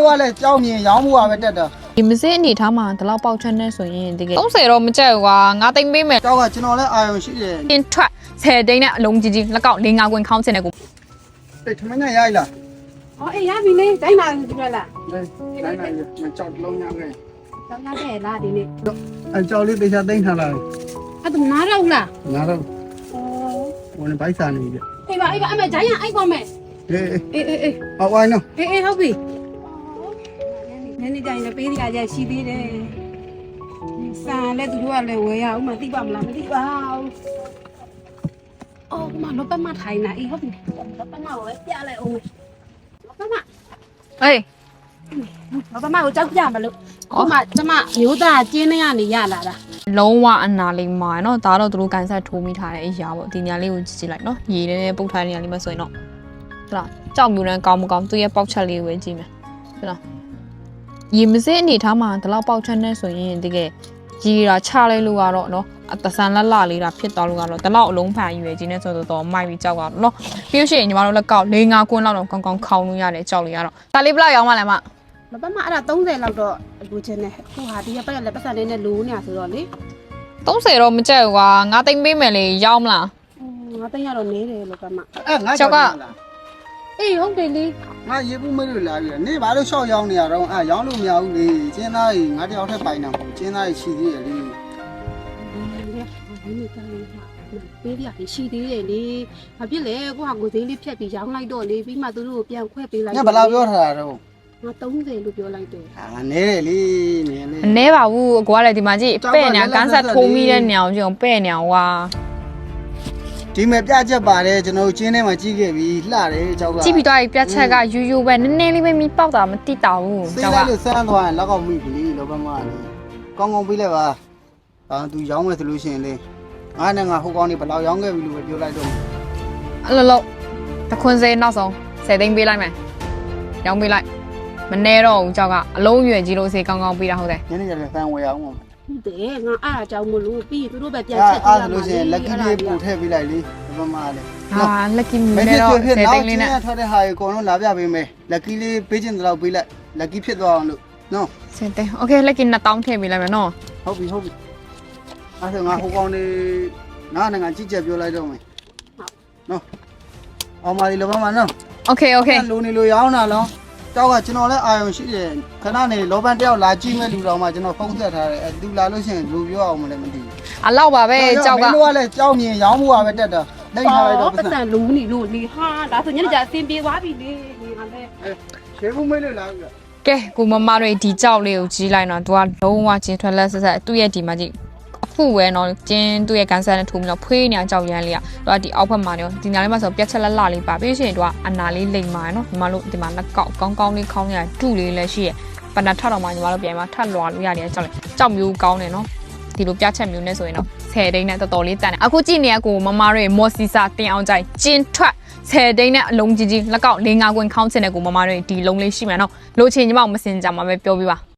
သွားလဲကြောက်မြင်ရောင်းမှုပါပဲတက်တာဒီမစစ်အနေထားမှာဒီလောက်ပေါက်ချမ်းနေဆိုရင်တကယ်30တော့မကြက်ဘူးကွာငါသိမ့်ပေးမယ်ကြောက်ကကျွန်တော်လည်းအာရုံရှိတယ်တင်ထွက်10တိန်းနဲ့အလုံးကြီးကြီးလက်ကောက်4-5ကွင်းခေါင်းချင်တဲ့ကိုအေးထမင်းညရိုက်လားအော်အေးရပြီလေတိုင်းလာပြီလားတိုင်းလိုက်မကြောက်လုံးရခဲ့တော့ငါတဲ့လားဒီနေ့အကြောက်လေးတေချာသိမ့်ထားလာအဲ့ဒါနားတော့လားငါတော့အော်ဝင်ဘိုက်စာနေပြီအေးပါအမေဂျိုင်းရအိုက်ပါမယ်အေးအေးဟောဝိုင်းနော်အေးဟုတ်ပြီနည်းနည်းကြရင်လည်းပေးရကြရှိသေးတယ်ဆန်လည်းသူတို့ကလည်းဝယ်ရအောင်မသိပါမလားမသိပါဘူးအော်မလောပမထိုင်နေအေးဟုတ်ပြီလောပမကိုပြလိုက်အောင်လောပမအေးလောပမကိုကြောက်ကြမလို့ဟိုမှာကျမမျိုးသားကျင်းနေရနေရလာတာလုံးဝအနာလေးမှာเนาะဒါတော့သူတို့ကန်ဆက်ထိုးမိထားတဲ့အရာပေါ့ဒီညာလေးကိုကြည့်ကြည့်လိုက်เนาะရေနဲ့ပုတ်ထားတဲ့ညာလေးမှာဆိုရင်တော့ဟုတ်လားကြောက်မြူနဲ့ကောင်းမကောင်းသူ့ရဲ့ပေါက်ချက်လေးကိုပဲကြည့်မယ်ဟုတ်လားရေမစစ်အနေထားမှာဒီလောက်ပေါက်ချက်နေဆိုရင်တကယ်ရေတာချလိုက်လို့ကတော့เนาะအတဆန်လက်လလေးတာဖြစ်သွားလို့ကတော့ဒီလောက်အလုံးဖန်ရွယ်ကြီးနဲ့ဆိုတော့မိုက်ပြီးကြောက်ကတော့เนาะပြီးလို့ရှိရင်ညီမတို့လက်ကောက်၄-၅ကွန်းလောက်တော့ကောင်းကောင်းခေါင်းလို့ရတယ်ကြောက်လို့ရတော့ဒါလေးဘယ်လောက်ရောင်းမှလဲမလောပမအဲ့ဒါ30လောက်တော့လူချင်းနဲ့ဟိုဟာဒီကပတ်လည်းပတ်စံလေးနဲ့လိုးနေရဆိုတော့လေ 30တော့မကြက်ဘူးကွာငါသိမ့်ပေးမယ်လေရောင်းမလားငါသိရတော့နေတယ်လောပမအဲ့ငါကြောက်ကအေးဟုတ်တယ်လေငါရေပူးမလို့လာပြီနေဘာလို့ရှော့ရောင်းနေရတော့ရောင်းလို့မရဘူးလေကျင်းသားကြီးငါတယောက်ထက်ပိုင်တာမဟုတ်ကျင်းသားကြီးရှိသေးတယ်လေပေးရရှိသေးတယ်လေဘာဖြစ်လဲကိုဟာကိုသေးလေးဖြတ်ပြီးရောင်းလိုက်တော့လေပြီးမှသူတို့ကိုပြန်ခွဲပေးလိုက်ညဘယ်လောက်ပြောထားတာတော့ငါ30လို့ပြောလိုက်တယ်ဟာနေတယ်လေနေလေအနဲပါဘူးအကွာလည်းဒီမှာကြည့်ပဲ့နေကန်ဆက်ထိုးမိတဲ့ညောင်ကြုံပဲ့နေအောင်ကွာဒီမဲ့ပြချက်ပါတယ်ကျွန်တော်ကျင်းထဲမှာကြီးခဲ့ပြီလှတယ်ကြောက်ကကြည့်ပြီးတော့ပြတ်ချက်ကယူယူပဲနည်းနည်းလေးပဲမိပေါက်တာမတိတာဘူးစေးကြောက်ကလိုက်လို့ဆန်းသွားရင်လက်ကောက်မိပြီလောဘမလေးကောင်းကောင်းပြီးလိုက်ပါသူရောင်းမယ်ဆိုလို့ရှိရင်လေငါနဲ့ငါဟိုကောင်းနေဘယ်လောက်ရောင်းခဲ့ပြီလို့ပဲပြောလိုက်တော့အဲ့လိုလို့တခွန်းစေးနောက်ဆုံး10သိန်းပေးလိုက်မယ်ရောင်းပေးလိုက်မနေတော့ဘူးကြောက်ကအလုံးရွယ်ကြီးလို့စေးကောင်းကောင်းပေးတာဟုတ်တယ်ညနေကျရင်ဆန်းဝယ်အောင်ပါဟုတ်တယ်ငါအားအကြောင်းမလို့ပြီးသူတို့ပဲပြန်အဲ့ချက်အဲ့ဆိုလို့ရှိရင်လက်ကီးလေးပို့ထည့်ပေးလိုက်လေလောဘမလေးဟာလက်ကီမမနေဖြစ်တော့ဖြစ် 10 နောသိက်န်းကျလေးင်းနဲ့ရထွက်တဲ့ဟာကိုအကုန်လုံးလာပြပေးမယ်လက်ကီးလေးပေးခြင်းတော့ပေးလိုက်လက်ကီးဖြစ်သွားအောင်လို့နော် 10သိန်းโอเคလက်ကီ2000ထည့်ပေးလိုက်မယ်နော်ဟုတ်ပြီအဲ့ဆိုငါဟိုကောင်းနေငါနဲ့ငါကြည့်ချက်ပြောလိုက်တော့မယ်နော်အောင်ပါဒီလောဘမနော်โอเคโอเคလိုနေလို့ရောင်းတာလောကြောက်ကကျွန်တော်လည်းအာရုံရှိတယ်ခဏနေလောဘန်တယောက်လာကြည့်မဲ့လူတော်မှကျွန်တော်ဖုန်းဆက်ထားတယ်သူလာလို့ရှိရင်လူပြောအောင်မလဲမသိဘူးအလောက်ပါပဲကြောက်ကမင်းတို့ကလည်းကြောက်မြင်ရောင်းမှုပါပဲတက်တာလိမ့်ထားလိုက်တော့ပတ်စံလုံးနေလို့နေဟာဒါဆိုညနေကျအစင်ပြေသွားပြီလေဒီဟာလဲရှေးဘူးမေးလို့လာပြီကဲကိုမမတွေဒီကြောက်လေးကိုကြီးလိုက်တော့သူကလုံးဝချင်းထွက်လက်ဆက်ဆက်သူ့ရဲ့ဒီမှာကြည့်အခုဝဲတော့ကျင်းသူ့ရဲ့ကန်ဆာနဲ့ထိုးပြီးတော့ဖွေးနေအောင်ကြောက်ရမ်းလေးကသူကဒီအောက်ဘက်မှာနေဒီနားလေးမှာဆိုပြက်ချက်လက်လလေးပါပြီးရှင်သူကအနာလေးလိမ်မာနော်ညီမတို့ဒီမှာလက်ကောက်ကောင်းကောင်းလေးခေါင်းရတူလေးလည်းရှိရပဏထတော့မှညီမတို့ပြန်มาထပ်လွာလို့ရတယ်ကြောက်လေကြောက်မျိုးကောင်းတယ်နော်ဒီလိုပြချက်မျိုးနဲ့ဆိုရင်တော့10တိန်းနဲ့တော်တော်လေးတန်တယ်အခုကြည့်နေရကိုမမတို့မော်စီစာတင်အောင်ကြိုက်ကျင်းထွက်10တိန်းနဲ့အလုံးကြီးကြီးလက်ကောက်4-5ကွင်းခေါင်းချင်တဲ့ကိုမမတို့ဒီလုံးလေးရှိမှန်တော့လိုချင်ညီမမစင်ကြမှာပဲပြောပြပါ